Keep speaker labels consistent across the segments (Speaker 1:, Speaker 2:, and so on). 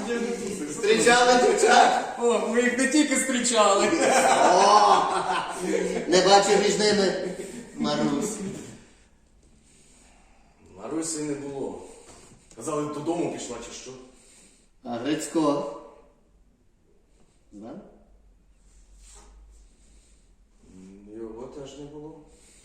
Speaker 1: Зустрічали дівчат?
Speaker 2: О, ми їх не тільки зустрічали.
Speaker 1: О, не бачив між ними Марусі.
Speaker 2: Марусі не було. Казали, додому пішла чи що.
Speaker 1: А Грицько? Знав?
Speaker 2: Його теж не було.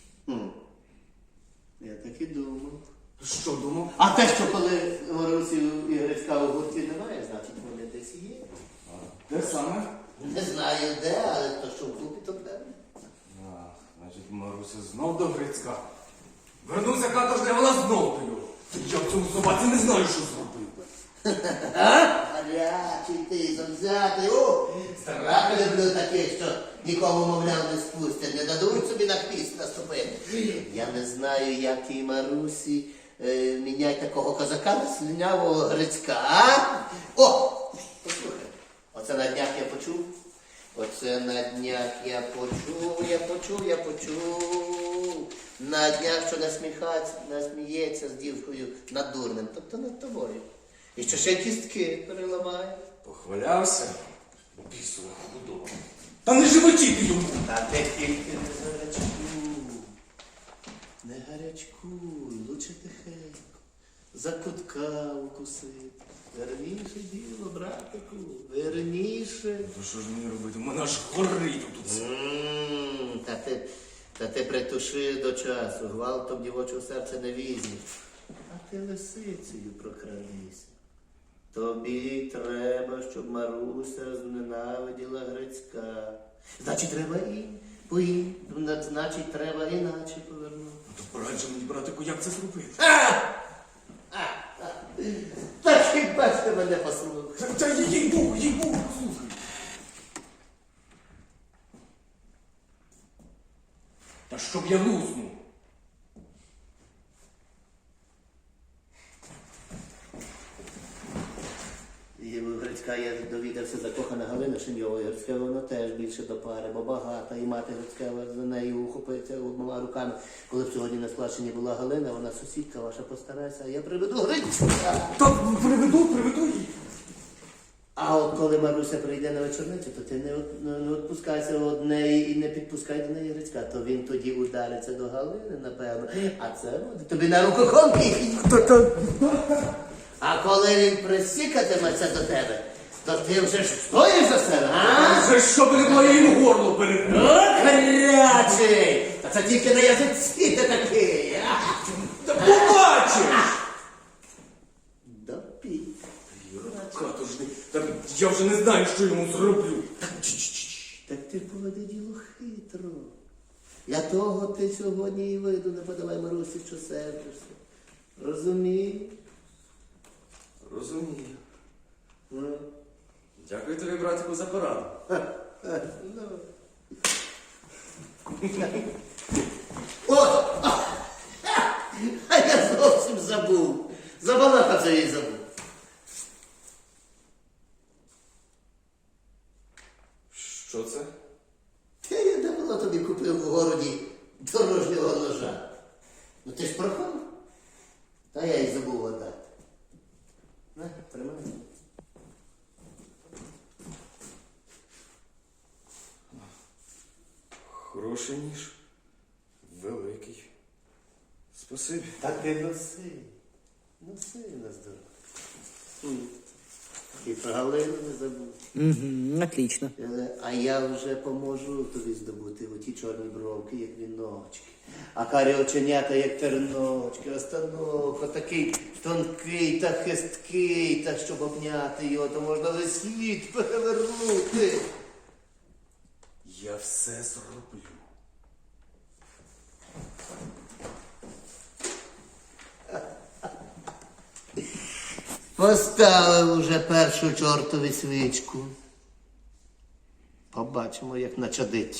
Speaker 1: Я так і думав.
Speaker 2: Що думав?
Speaker 1: А те, що коли Марусі і Грицька у гурті немає, значить вони десь є.
Speaker 2: Де саме?
Speaker 1: Не знаю де, але то, що в клубі, то певно.
Speaker 2: Значить, Маруся знов до Грицька. Вернувся каторжний, а вона знов до нього. Я в цьому собаці не знаю, що зробив.
Speaker 1: Гарячий ти, завзятий. О, страх люблю таких, що нікому, мовляв, не спустять, не дадуть собі на хвіст наступити. Я не знаю, як і Марусі міняй такого козака на слинявого Грицька, а? О, послухай, оце на днях я почув. Оце на днях я почув. На днях, що насміється з дівкою над дурнем, тобто над тобою. І що ще кістки переламає.
Speaker 2: Похвалявся. Бісова худоба. Та не животіти йому!
Speaker 1: Та ти тільки не гарячкуй. Не гарячкуй, лучше тихенько. За кутка укусити. Верніше діло, братику, верніше.
Speaker 2: То що ж мені робити? У мене аж горить тут.
Speaker 1: Та ти притуши до часу, гвалтом дівочого серця не візьмеш. А ти лисицею прокрадися. Тобі треба, щоб Маруся зненавиділа Грицька. Значить, треба значить, треба іначе повернути.
Speaker 2: То порадь же мені, братику, як це зробити?
Speaker 1: Та хіба ж ти мене послухай?
Speaker 2: Та їй-богу, послухай. Та щоб я луснув.
Speaker 1: І в Грицька я довідався, закохана Галина Шиньова. Грицька вона теж більше до пари, бо багата. І мати Грицька за нею ухопиться обома руками. Коли б сьогодні на складчині була Галина, вона сусідка ваша, постарайся, а я приведу Грицька.
Speaker 2: Та приведу її.
Speaker 1: А от коли Маруся прийде на вечорницю, то ти не відпускайся від неї і не підпускай до неї Грицька. То він тоді удариться до Галини, напевно. А це буде тобі на рукохомки. А коли він присікатиметься до тебе, то ти вже ж стоїш за себе, а?
Speaker 2: Вже щоб не було, я йому горло перекрив.
Speaker 1: Гарячий! Та це тільки на язиці ти такий, а?
Speaker 2: Та побачиш!
Speaker 1: Допій.
Speaker 2: Каторжний, та я вже не знаю, що йому зроблю.
Speaker 1: Так ти поведи діло хитро. Для того ти сьогодні і виду не подавай Марусі, що сердишся. Розумієш?
Speaker 2: Розумію. Дякую тобі, братику, за пораду.
Speaker 1: От! А я зовсім забув. Забалакався і забув.
Speaker 2: Що це?
Speaker 1: Я давно тобі купив у городі дорожнього ножа. Ну ти ж прохав. Та я й забув отдати. На, тримай.
Speaker 2: Хороший ніж. Великий. Спасибі.
Speaker 1: Та ти носи. Носи на здоров'я. І про Галину не забув.
Speaker 3: Отлично.
Speaker 1: А я вже поможу тобі здобути оті чорні бровки, як віночки. А карі оченята, як терночки. Остановка такий тонкий та хисткий, та щоб обняти його, то можна весь світ перевернути.
Speaker 2: Я все зроблю.
Speaker 1: Поставив уже першу чортові свічку. Побачимо, як начадить.